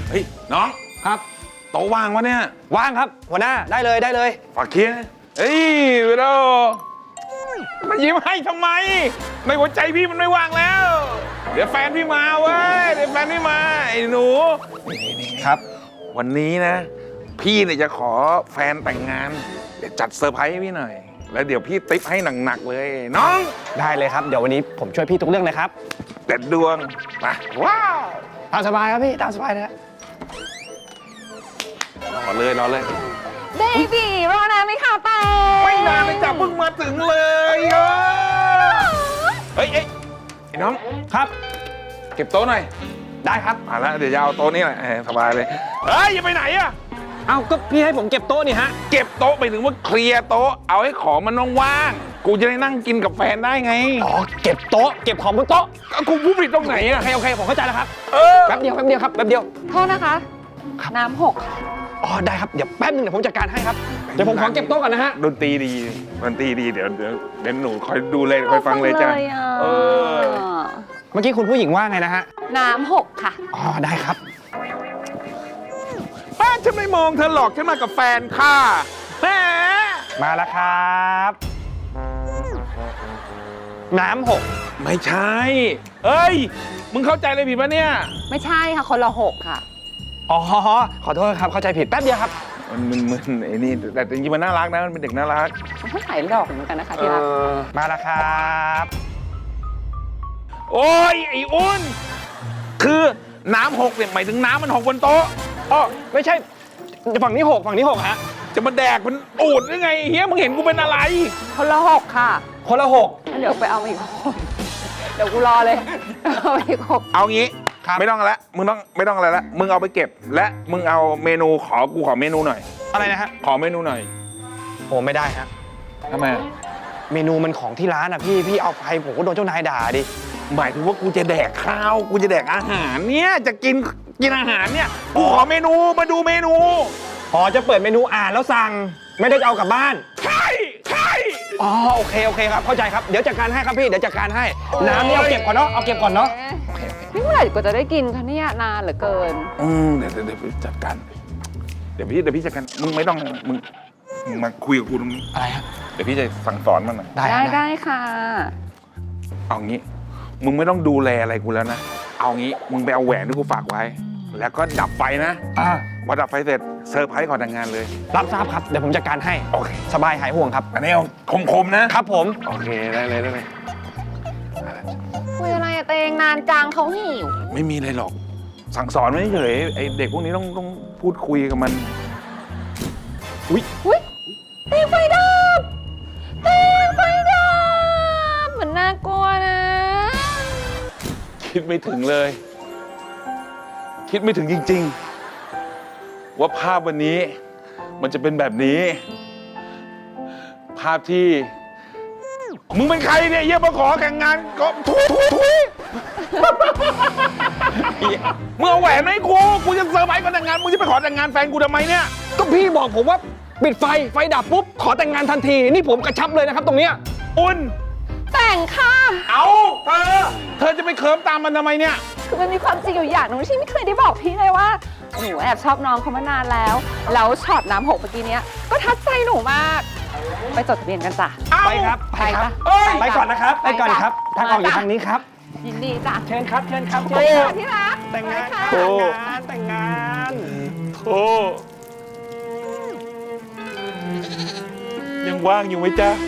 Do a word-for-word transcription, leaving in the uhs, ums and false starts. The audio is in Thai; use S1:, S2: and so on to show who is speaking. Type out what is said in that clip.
S1: เฮ้ยน้องครับโต๊ะว่างวะเนี่ย
S2: ว่างครับหัวหน้าได้เลยได้เลย
S1: ฝากเคลียร์เฮ้ยเวโรมายิ้มให้ทำไมในหัวใจพี่มันไม่ว่างแล้ว เดี๋ยวแฟนพี่มาเว้ยเดี๋ยวแฟนพี่มาไอ้หนูนี่ๆครับวันนี้นะพี่เนี่ยจะขอแฟนแต่งงานเดี๋ยวจัดเซอร์ไพรส์ให้พี่หน่อยแล้วเดี๋ยวพี่ติ๊บให้หนักๆเลยน้อง
S2: ได้เลยครับเดี๋ยววันนี้ผมช่วยพี่ทุกเรื่องเลยครับ
S1: เด็ดดวงมาว้าว
S2: ตามสบายครับพี่ตามสบายเลย
S1: รอเลยรอเลย
S3: เบบี้รอนานไหมคะแตง
S1: ไม่นานเลยจ้ะเพิ่งมาถึงเลยเออเฮ้ยเอ้ยไอ้น้อง
S2: ครับ
S1: เก็บโต๊ะหน่อย
S2: ได้ครับ
S1: มาแล้วเดี๋ยวจะเอาโต๊ะนี้แหละสบายเลยเฮ้ยอย่าไปไหนอะ
S2: เอาก็พี่ให้ผมเก็บโต๊ะนี่ฮะ
S1: เก็บโต๊ะไปถึงว่าเคลียร์โต๊ะเอาให้ของมันว่างๆกูจะได้นั่งกินกับแฟนได้ไง
S2: อ๋อเก็บโต๊ะเก็บของบนโต๊ะ
S1: กูพูดผิดตรงไหนอะ
S2: โอเคโอเคผมเข้าใจแล้วครับ
S1: เออ
S2: แป๊บเดียวแป๊บเดียวครับแป๊บเดียว
S3: โทษนะคะน้ำหก
S2: อ๋อได้ครับเดี๋ยวแป๊บนึงเดี๋ยวผมจัดการให้ครับเดี๋ยวผมขอเก็บโต๊ะก่อนนะฮะ
S1: ดนตรีดีดนตรีดีเดี๋ยวเดี๋ยวเดี๋ยวหนูคอยดูเลยคอยฟังเลยจ้ะเออ
S2: เมื่อกี้คุณผู้หญิงว่าไงนะฮะ
S3: น้ำหกค่ะ
S2: อ๋อได้ครับ
S1: ป้าฉันไม่มองเธอหรอกฉันมากับแฟนค่ะแหม
S2: มาแล้วครับน้ำหก
S1: ไม่ใช่เอ้ยมึงเข้าใจเลยผิดปะเนี่ย
S3: ไม่ใช่ค่ะคนละหกค่ะ
S2: อ๋อขอโทษครับเข้าใจผิดแป๊บเดียวครับ
S1: มันมันมันไอ้นี่แต่จริงๆมันน่ารักนะมันเป็นเด็กน่ารัก
S3: มันก็ใส่ดอกเหมือนกันนะคะที่รัก
S2: มาแล้วครับ
S1: โอ้ยไอ้อ้นคือน้ำหกเนี่ยหมายถึงน้ำมันหกบนโต๊ะ
S2: อ๋อไม่ใช่ฝั่งนี้หกฝั่งนี้หกฮะ
S1: จะมาแดกมันอูดได้ไงเฮียมึงเห็นกูเป็นอะไร
S3: คนละหกค่ะ
S2: คนละหก
S3: เดี๋ยวไปเอาอีกเดี๋ยวกูรอเลยเอาอีกหก
S1: เอางี้ไม่ต้องแล้วมึงต้องไม่ต้องอะไรแล้วมึงเอาไปเก็บและมึงเอาเมนูขอกูขอเมนูหน่อย
S2: อะไรนะฮะ
S1: ขอเมนูหน่อย
S2: โอ้ไม่ได้ฮะ
S1: ทำไม
S2: เมนูมันของที่ร้านอ่ะพี่พี่เอาไปผมก็โดนเจ้านายด่าดิ
S1: หมายถึงว่ากูจะแดกข้าวกูจะแดกอาหารเนี่ยจะกินกินอาหารเนี่ยกูขอเมนูมาดูเมนู
S2: อ๋อจะเปิดเมนูอ่านแล้วสั่งไม่ได้เอากลับบ้าน
S1: ใช่ใช่
S2: อ๋อโอเคโอเคครับเข้าใจครับเดี๋ยวจัดการให้ครับพี่เดี๋ยวจัดการให้น้ำนี่เอาเก็บก่อนเนาะเอาเก็บก่อนเนาะ
S3: นี่เมื่อไหร่ก็จะได้กินคะเนี่ยนานเหลือเกิน
S1: อืมเดี๋ยวเดี๋ยวจัดการเดี๋ยวพี่เดี๋ยวพี่จัดการมึงไม่ต้องมึงมึงมาคุยกับกูตรงนี้
S2: อะไรฮะ
S1: เดี๋ยวพี่จะสั่งสอนมันหน่อย
S3: ได้ได้ค่ะ
S1: เอางี้มึงไม่ต้องดูแลอะไรกูแล้วนะเอางี้มึงไปเอาแหวนที่กูฝากไว้แล้วก็ดับไฟนะ
S2: อ่า
S1: พอดับไฟเสร็จเซอร์ไพรส์ก่อนแต่งงานเลย
S2: รับทราบครับเดี๋ยวผมจัดการให้
S1: โอเค
S2: สบายหายห่วงครับ
S1: อันนี้เอาคมๆนะครับ
S2: ผม
S1: โอเคได้เลยได้เลย
S3: คุยอะไรอะเตงนานจังเขาหิว
S1: ไม่มีอะไรหรอกสั่งสอนไม่เฉยไอเด็กพวกนี้ต้องต้องพูดคุยกับมัน
S3: อุ้ยอุ้ยเตงไฟดับเตงไฟดับเหมือนน่ากลัวนะ
S1: คิดไม่ถึงเลยคิดไม่ถึงจริงๆว่าภาพวันนี้มันจะเป็นแบบนี้ภาพที่มึงเป็นใครเนี่ยเยี่ยมมาขอแข่งงานก็ทุยทุยทุยมึงเอาแหวนไหมกูกูจะเซอร์ไพรส์ก่อนแต่งงานมึงจะไปขอแต่งงานแฟนกูทำไมเนี่ย
S2: ก็พี่บอกผมว่าปิดไฟไฟดับปุ๊บขอแต่งงานทันทีนี่ผมกระชับเลยนะครับตรงเนี้ย
S1: อุ่น
S3: แต่งค่ะ
S1: เอาเธอเธอจะไปเคิร์มตามมันทำไมเนี่ย
S3: คือมันมีความจริงอยู่อย่างนึงที่ไม่เคยได้บอกพี่เลยว่าหนูแอบชอบน้องเขามานานแล้วแล้วช็อตน้ำหกเมื่อกี้นี้ก็ทัดใจหนูมากไปจดทะเบียนกันจ้ะ
S2: ไปครับไปครับไปก่อนนะครับไปก่อนครับทางออกอยู่ทางนี้ครับ
S3: ยินดีจ้ะ
S2: เชิญครับเชิญครับ
S3: เชิญที่รัก
S2: แต่งงานแต่งงานแต่งงาน
S1: โธ่ยังว่างอยู่ไหมจ๊ะ